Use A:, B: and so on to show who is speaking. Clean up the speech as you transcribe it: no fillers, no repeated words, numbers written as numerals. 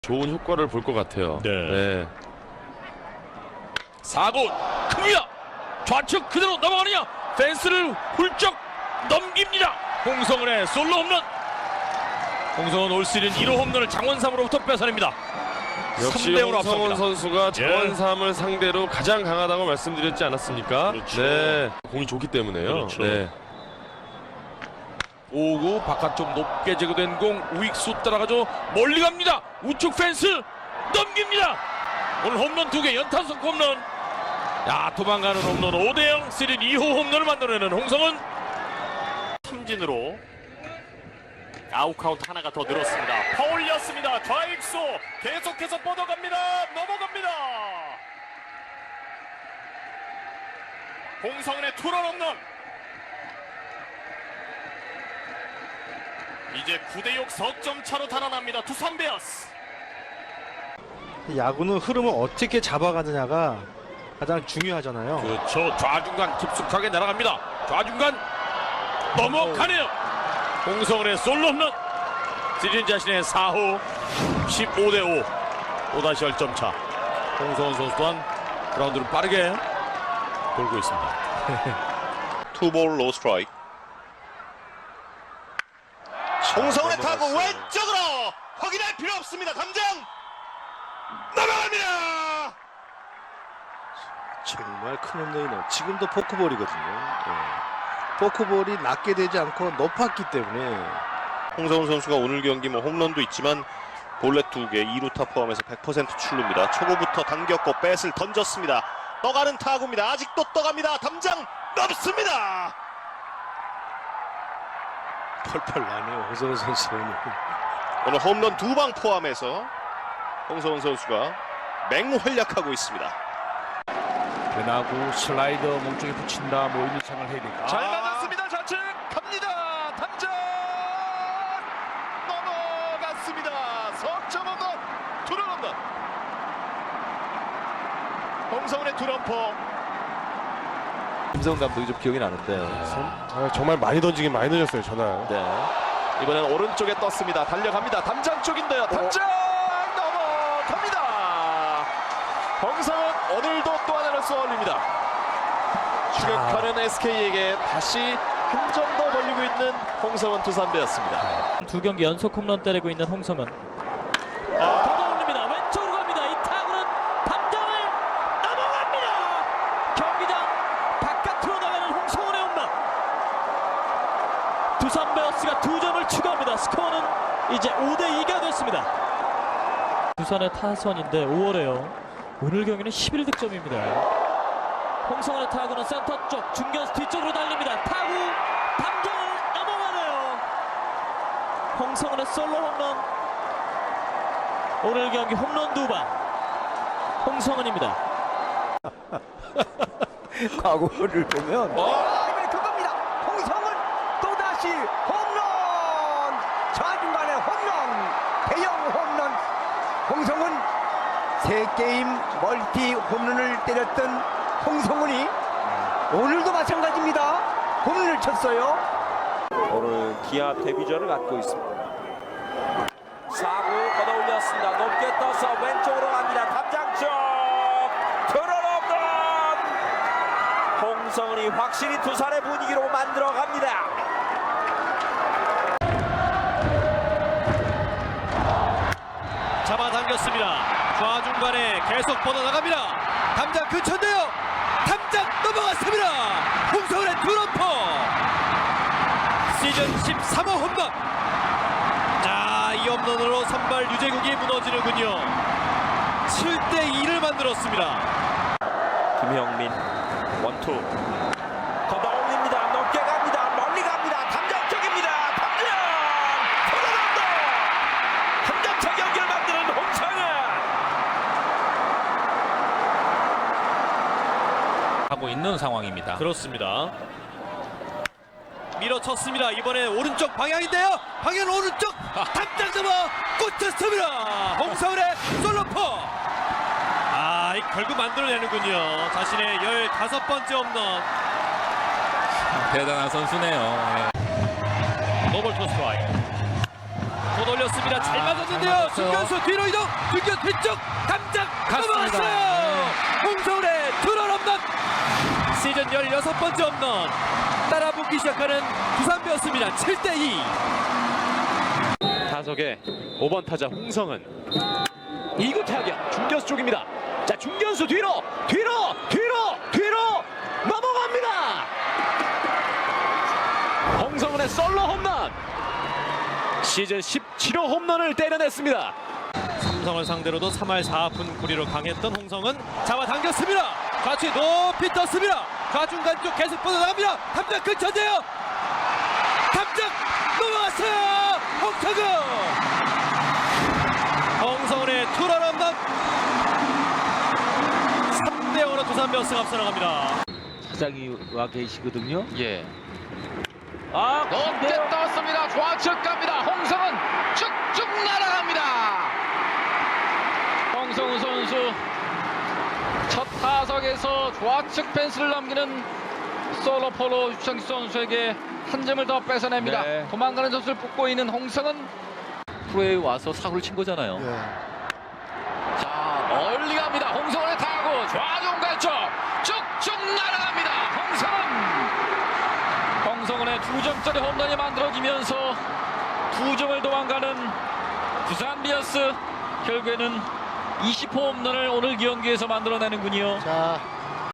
A: 좋은 효과를 볼 것 같아요.
B: 네. 4구 큽니다. 좌측 그대로 넘어가느냐. 펜스를 훌쩍 넘깁니다. 홍성은의 솔로 홈런. 홍성은 올 시즌 1호 홈런을 장원삼으로부터 뺏어냅니다.
A: 역시
B: 3대 0으로
A: 홍성은
B: 앞섭니다.
A: 선수가 장원삼을 상대로 가장 강하다고 말씀드렸지 않았습니까?
B: 그렇죠.
A: 네, 공이 좋기 때문에요.
B: 그렇죠.
A: 네.
B: 5구 바깥쪽 높게 제거된 공 우익수 따라가죠. 멀리 갑니다. 우측 펜스 넘깁니다. 오늘 홈런 2개 연타석 홈런. 야, 도망가는 홈런 5대0 시즌 2호 홈런을 만들어내는 홍성은. 삼진으로 아웃카운트 하나가 더 늘었습니다. 파울이었습니다. 좌익수 계속해서 뻗어갑니다. 넘어갑니다. 홍성은의 투런 홈런. 이제 9대6 석점 차로 달아납니다. 두산 베어스.
C: 야구는 흐름을 어떻게 잡아가느냐가 가장 중요하잖아요.
B: 그렇죠. 좌중간 깊숙하게 날아갑니다. 좌중간 넘어가네요. 홍성은의 솔로 홈런. 시즌 자신의 4호 15대5 또다시 10점 차. 홍성은 선수 또한 그라운드를 빠르게 돌고 있습니다.
D: 투볼 로우 스트라이크. 홍성은의 타구 왼쪽으로 확인할 필요 없습니다. 담장 넘어갑니다.
C: 정말 큰 홈런이네요. 지금도 포크볼이거든요. 포크볼이 낮게 되지 않고 높았기 때문에
D: 홍성은 선수가 오늘 경기 홈런도 있지만 볼넷 2개 2루타 포함해서 100% 출루입니다. 초구부터 당겼고 뱃을 던졌습니다. 떠가는 타구입니다. 아직도 떠갑니다. 담장 넘습니다.
C: 펄펄 나네요. 홍성은 선수는.
D: 오늘 홈런 2방 포함해서 홍성은 선수가 맹활약하고 있습니다.
B: 변화구 슬라이더 몸쪽에 붙인다. 이루창을 해야 되니까.
D: 잘 맞았습니다. 좌측 갑니다. 담장 넘어갔습니다. 석점 홈런, 투런 홈런. 홍성은의 투런포.
E: 김성 감독이 좀 기억이 나는데
A: 정말 많이 던지긴 많이 던졌어요, 전화.
E: 네. 이번엔 오른쪽에 떴습니다. 달려갑니다. 담장 쪽인데요. 담장 넘어갑니다. 홍성은 오늘도 또 하나를 쏘아올립니다. 추격하는 SK에게 다시 한 점 더 벌리고 있는 홍성은 두산배였습니다.
F: 두 경기 연속 홈런 때리고 있는 홍성은 걷어올립니다. 왼쪽으로 갑니다. 이 타구는 담장을 넘어갑니다. 경기장 바깥으로 나가는 홍성은의 홈런. 두산 베어스가 2점을 추가합니다. 스코어는 이제 5대2가 됐습니다. 두산의 타선인데 5월에요. 오늘 경기는 11득점입니다. 홍성은의 타구는 센터 쪽 중견수 뒤쪽으로 달립니다. 타구 담장을 넘어가네요. 홍성은의 솔로 홈런. 오늘 경기 홈런 2방 홍성은입니다.
E: 과거를 보면
G: 그겁니다. 홍성은 또다시 홈런. 좌중간의 홈런. 대형 홈런. 홍성은 3게임 멀티 홈런을 때렸던 홍성은이 오늘도 마찬가지입니다. 홈런을 쳤어요.
E: 오늘 기아 데뷔전을 갖고 있습니다. 4구 걷어올렸습니다. 높게 떠서 왼쪽으로 갑니다. 담장 쪽 들어옵던 홍성은이 확실히 두산의 분위기로 만들어 갑니다.
B: 잡아당겼습니다. 좌중간에 계속 뻗어나갑니다. 담장 근처인데요. 담장 넘어갔습니다. 홍성은의 투런포. 시즌 13호 홈런. 자, 이 홈런으로 선발 유재국이 무너지는군요. 7대2를 만들었습니다.
E: 김형민 원투 걷어올립니다. 높게 갑니다. 멀리 갑니다. 담장 쪽입니다. 담장 들어간다. 한 점차 경기를 만드는 홍성은
F: 하고 있는 상황입니다.
B: 그렇습니다. 밀어쳤습니다. 이번에 오른쪽 방향인데요. 방향 오른쪽. 담장 잡아 꽂혔습니다. 홍성은의 솔로포. 결국 만들어내는군요. 자신의 15번째 홈런.
F: 대단한 선수네요.
B: 노볼 투 스트라이크.
F: 못 올렸습니다. 잘 맞았는데요. 중견수 뒤로 이동. 중견 뒤쪽 담장 넘어갔어요. 홍성훈의 투런 홈런. 시즌 16번째 홈런. 따라붙기 시작하는 두산베어스입니다. 7대2. 타석의 5번 타자 홍성은 2구 타격 중견수 쪽입니다. 자, 중견수 뒤로 넘어갑니다. 홍성은의 솔로 홈런. 시즌 17호 홈런을 때려냈습니다. 삼성을 상대로도 3할 4분 9리로 강했던 홍성은 잡아당겼습니다. 같이 높이 떴습니다. 좌중간 쪽 계속 뻗어나갑니다. 담장 근처인데요. 담장 넘어갔어요. 홍성은의 투런 홈런. 3대0으로 두산베어스가 앞서 나갑니다.
H: 사장이 와 계시거든요.
F: 예.
I: 높게 떴습니다. 좌측 갑니다. 홍성은 쭉쭉 날아갑니다. 홍성훈 선수 첫 타석에서 좌측 펜스를 넘기는 솔로포로 유창기 선수에게 한 점을 더 뺏어냅니다.
F: 네.
I: 도망가는 선수를 뽑고 있는 홍성은
F: 프로에 와서 사고를 친 거잖아요.
I: 자, 멀리 갑니다. 홍성훈의 타구 좌중 갈쪽 쭉쭉 날아갑니다. 홍성훈의 2점짜리 홈런이 만들어지면서 2점을 도망가는 두산 베어스, 결국에는 20호 홈런을 오늘 경기에서 만들어내는군요.
C: 자,